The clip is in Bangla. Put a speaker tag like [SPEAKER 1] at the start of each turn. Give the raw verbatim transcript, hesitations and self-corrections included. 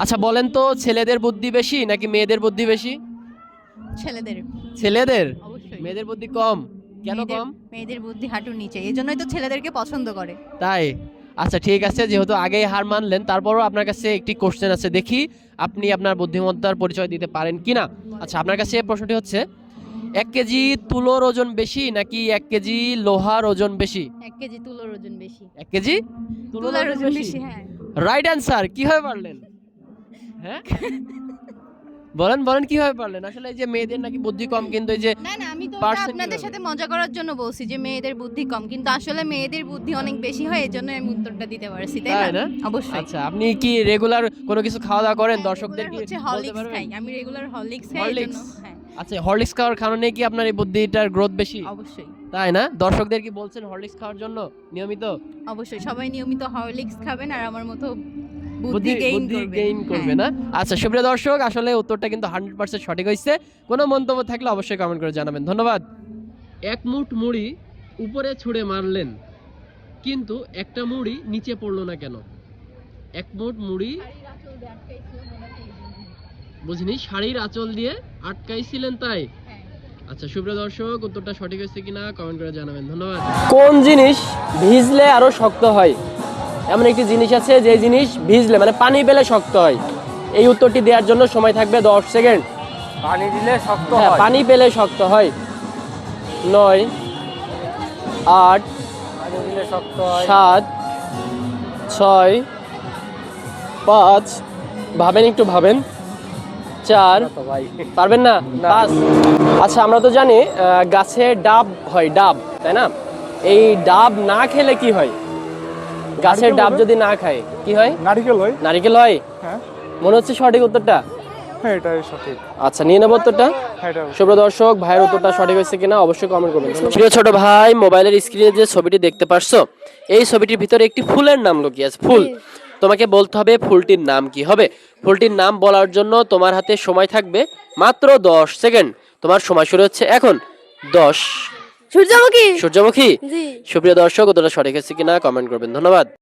[SPEAKER 1] আচ্ছা বলেন তো, ছেলেদের বুদ্ধি বেশি নাকি মেয়েদের বুদ্ধি বেশি?
[SPEAKER 2] ছেলেদের।
[SPEAKER 1] ছেলেদের?
[SPEAKER 2] অবশ্যই।
[SPEAKER 1] মেয়েদের বুদ্ধি কম? কেন
[SPEAKER 2] মেয়েদের
[SPEAKER 1] কম?
[SPEAKER 2] মেয়েদের বুদ্ধি হাঁটুর নিচে, এই জন্যই তো ছেলেদেরকে পছন্দ করে।
[SPEAKER 1] তাই? আচ্ছা ঠিক আছে, যেহেতু আগেই হার মানলেন, তারপরও আপনার কাছে একটি কোশ্চেন আছে, দেখি আপনি আপনার বুদ্ধিমত্তার পরিচয় দিতে পারেন কিনা। আচ্ছা আপনার কাছে এই প্রশ্নটি হচ্ছে, এক কেজি তুলোর ওজন বেশি নাকি এক কেজি লোহার ওজন বেশি?
[SPEAKER 2] এক কেজি তুলোর ওজন বেশি।
[SPEAKER 1] এক কেজি তুলোর
[SPEAKER 2] তুলার
[SPEAKER 1] ওজন
[SPEAKER 2] ওজন
[SPEAKER 1] বেশি?
[SPEAKER 2] বেশি, হ্যাঁ।
[SPEAKER 1] Right answer. কিভাবে পারলেন? হ্যাঁ বলেন বলেন কিভাবে পারলেন? আসলে এই যে মেয়েদের নাকি বুদ্ধি কম, কিন্তু এই যে
[SPEAKER 2] না না, আমি তো ওটা
[SPEAKER 1] পারছেন
[SPEAKER 2] আপনাদের
[SPEAKER 1] কিভাবে?
[SPEAKER 2] সাথে মজা করার জন্য বলছি যে মেয়েদের বুদ্ধি কম, কিন্তু আসলে মেয়েদের বুদ্ধি অনেক বেশি হয়, এজন্য আমি উত্তরটা দিতে পারছি, তাই
[SPEAKER 1] তাই
[SPEAKER 2] না?
[SPEAKER 1] না?
[SPEAKER 2] অবশ্যই।
[SPEAKER 1] আচ্ছা আপনি কি রেগুলার কোনো কিছু খাওয়া দাওয়া করেন?
[SPEAKER 2] হ্যাঁ,
[SPEAKER 1] দর্শকদের
[SPEAKER 2] রেগুলার
[SPEAKER 1] কি
[SPEAKER 2] হচ্ছে
[SPEAKER 1] বলতে
[SPEAKER 2] হরলিক্স
[SPEAKER 1] পারবেন?
[SPEAKER 2] খাই। আমি রেগুলার হরলিক্স খাই, এজন্য
[SPEAKER 1] হরলিক্স?
[SPEAKER 2] হ্যাঁ,
[SPEAKER 1] আচ্ছা হরলিক্স খাওয়ার কারণে কি আপনার এই বুদ্ধিটার গ্রোথ বেশি?
[SPEAKER 2] অবশ্যই।
[SPEAKER 1] তাই না? দর্শকদের কি বলছেন হরলিক্স খাওয়ার জন্য নিয়মিত?
[SPEAKER 2] অবশ্যই সবাই নিয়মিত হরলিক্স খাবেন আর আমার মতো বুদ্ধি
[SPEAKER 1] বুদ্ধি
[SPEAKER 2] গেইন
[SPEAKER 1] বুদ্ধি
[SPEAKER 2] করবেন।
[SPEAKER 1] গেইন করবে
[SPEAKER 2] হ্যাঁ।
[SPEAKER 1] না? আচ্ছা সুপ্রিয় দর্শক, আসলে উত্তরটা কিন্তু একশো পার্সেন্ট সঠিক হইছে। কোনো মন্তব্য থাকলে অবশ্যই কমেন্ট করে জানাবেন। ধন্যবাদ। এক মুঠ মুড়ি উপরে ছুঁড়ে মারলেন, কিন্তু একটা মুড়ি নিচে পড়লো না কেন? এক মুঠ মুড়ি বুঝিনি, শাড়ির আঁচল দিয়ে আটকাইছিলেন তাই? আচ্ছা সুপ্রিয় দর্শক, উত্তরটা সঠিক হয়েছে কিনা কমেন্ট করে জানাবেন। ধন্যবাদ। কোন জিনিস ভিজলে আরো শক্ত হয়? এমন একটি জিনিস আছে যে জিনিস ভিজলে মানে পানি পেলে শক্ত হয়। এই উত্তরটি দেওয়ার জন্য সময় থাকবে দশ সেকেন্ড।
[SPEAKER 3] পানি দিলে শক্ত
[SPEAKER 1] হ্যাঁ
[SPEAKER 3] হয়।
[SPEAKER 1] পানি পেলে শক্ত হয়। নয়, আট,
[SPEAKER 3] পানি দিলে শক্ত হয়।
[SPEAKER 1] সাত, ছয়, পাঁচ, ভাবেন একটু ভাবেন, চার,
[SPEAKER 3] না তো ভাই।
[SPEAKER 1] পারবেন না?
[SPEAKER 3] না।
[SPEAKER 1] পাঁচ। আচ্ছা আমরা তো জানি আহ, গাছে ডাব হয়, ডাব, তাই না? এই ডাব না খেলে কি হয়? গাছের
[SPEAKER 3] নারকেল
[SPEAKER 1] ডাব
[SPEAKER 3] হবে।
[SPEAKER 1] যদি না খায় কি হয়?
[SPEAKER 3] নারিকেল হয়।
[SPEAKER 1] নারকেল হয়।
[SPEAKER 3] হ্যাঁ
[SPEAKER 1] মনে হচ্ছে সঠিক উত্তরটা।
[SPEAKER 3] হ্যাঁ এটাই সঠিক।
[SPEAKER 1] আচ্ছা নিয়ে নেবো উত্তরটা।
[SPEAKER 3] হ্যাঁ এটা
[SPEAKER 1] সুপ্রিয় দর্শক, ভাইয়ের উত্তরটা সঠিক হয়েছে কিনা অবশ্যই কমেন্ট করবেন। প্রিয় ছোট ভাই, মোবাইলের স্ক্রিনে যে ছবিটি দেখতে পারছো, এই ছবিটির ভিতরে একটি ফুলের নাম লুকিয়ে আছে, ফুল। তোমাকে বলতে হবে ফুলটির নাম কি হবে। ফুলটির নাম বলার জন্য তোমার হাতে সময় থাকবে মাত্র দশ সেকেন্ড। তোমার সময় শুরু হচ্ছে এখন। দশ।
[SPEAKER 4] সূর্যমুখী।
[SPEAKER 1] সূর্যমুখী?
[SPEAKER 4] জি।
[SPEAKER 1] সুপ্রিয় দর্শক, উত্তরটা সঠিক হয়েছে কিনা কমেন্ট করবেন। ধন্যবাদ।